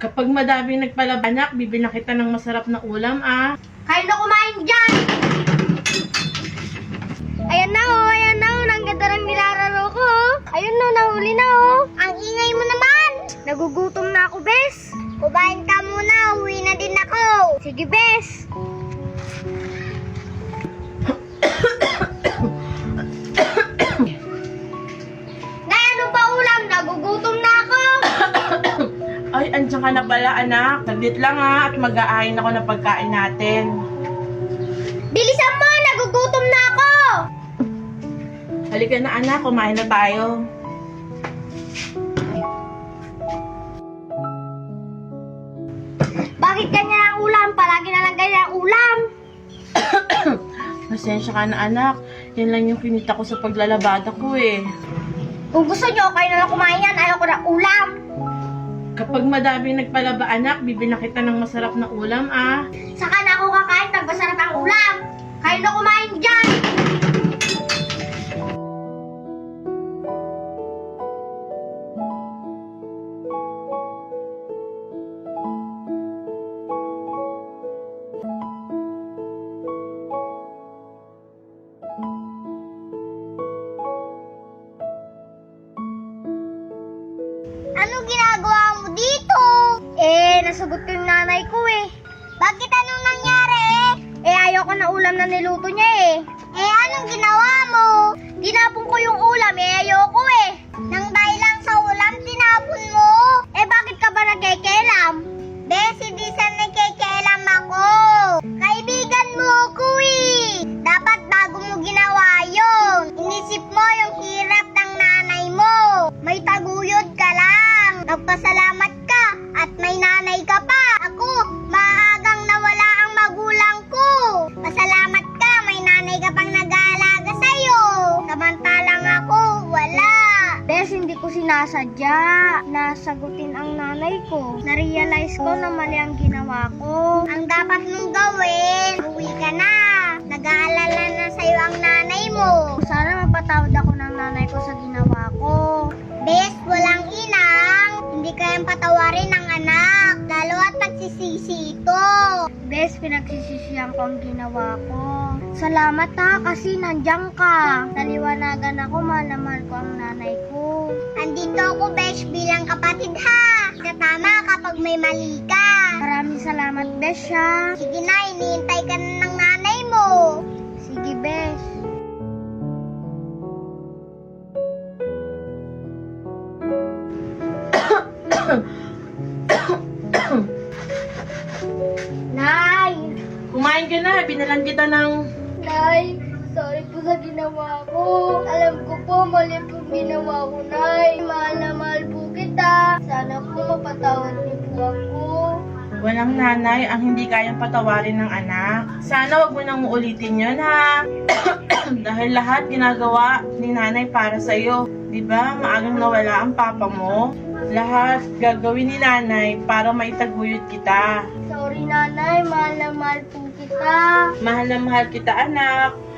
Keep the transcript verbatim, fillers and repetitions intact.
Kapag madaming nagpalabanak, bibili na kita ng masarap na ulam, ah. Kayo na kumain dyan! Ayan na oh, ayan na oh, ang ganda ng nilalaro ko oh. Ayun no, nahuli na oh. Ang ingay mo naman! Nagugutom na ako, bes. Kumain ka muna, uwi na din ako. Sige, bes. Nay, ano pa ulam? Nagugutom na ako. Ay, andyan ka na pala, anak. Saglit lang, ha, at mag-aahin ako ng pagkain natin. Bilisan mo, nagugutom na ako. Halika na, anak. Kumain na tayo. Bakit ganyan ang ulam? Palagi na lang ganyan ang ulam. Pasensya ka na, anak. Yan lang yung kinita ko sa paglalabada ko, eh. Kung gusto nyo, kayo na lang kumain yan. Ayaw ko ng ulam. Kapag madaming nagpalaba, anak, bibili na kita ng masarap na ulam, ah. Saka na ako kakain pag masarap ang ulam. Kayo na kumain dyan. Anong ginagawa mo dito? Eh, nasagot ko yung nanay ko eh. Bakit anong nangyari eh? Eh, ayaw ko na ulam na niluto niya eh. Eh, anong ginawa mo? Tinapon ko yung ulam eh, ayaw ko eh. Nang dahil lang sa ulam, tinapon mo? Eh, bakit ka ba nagkekelam? Bes, hindi sa nagkekelam ako. Kaibigan mo ako eh. Dapat bago mo ginawa yun. Inisip mo yung hirap ng nanay mo. May taguyod ka lang. Nagpasalamat ka at may nanay ka pa. Ako, maagang nawala ang magulang ko. Pasalamat ka, may nanay ka pang nag-aalaga sa'yo. Samantalang ako, wala. Bes, hindi ko sinasadya. Nasagutin ang nanay ko. Narealize ko na mali ang ginawa ko. Ang dapat mong gawin, uwi ka na. Nag-aalala na sa'yo ang nanay mo. Sana mapatawad ako ng nanay ko sa ginawa ko. Bes, walang inang. Hindi kayang patawarin ng anak. Lalo at nagsisisi ito. Bes, pinagsisisihan ko ang ginawa ko. Salamat ha, kasi nandiyan ka. Naliwanagan ako, mahal na mahal ko ang nanay ko. Andito ako, Bes, bilang kapatid ha. Katama kapag may mali ka. Maraming salamat, Bes ha. Sige na, iniintay ka na ng nanay mo. Sige, Bes. Nay! Kumain ka na. Binalan kita ng... Nay, sorry po sa ginawa ko. Alam ko po, mali po ginawa ko, Nay. Mahal na mahal po kita. Sana po mapatawad niyo po ako. Walang nanay ang hindi kayang patawarin ng anak. Sana wag mo nang uulitin yun, ha? Dahil lahat ginagawa ni nanay para sa'yo. Diba? Maagang nawala ang papa mo. Lahat gagawin ni nanay para maitaguyod kita. Sorry, Nanay. Mahal na mahal po kita. Mahal na mahal kita, anak.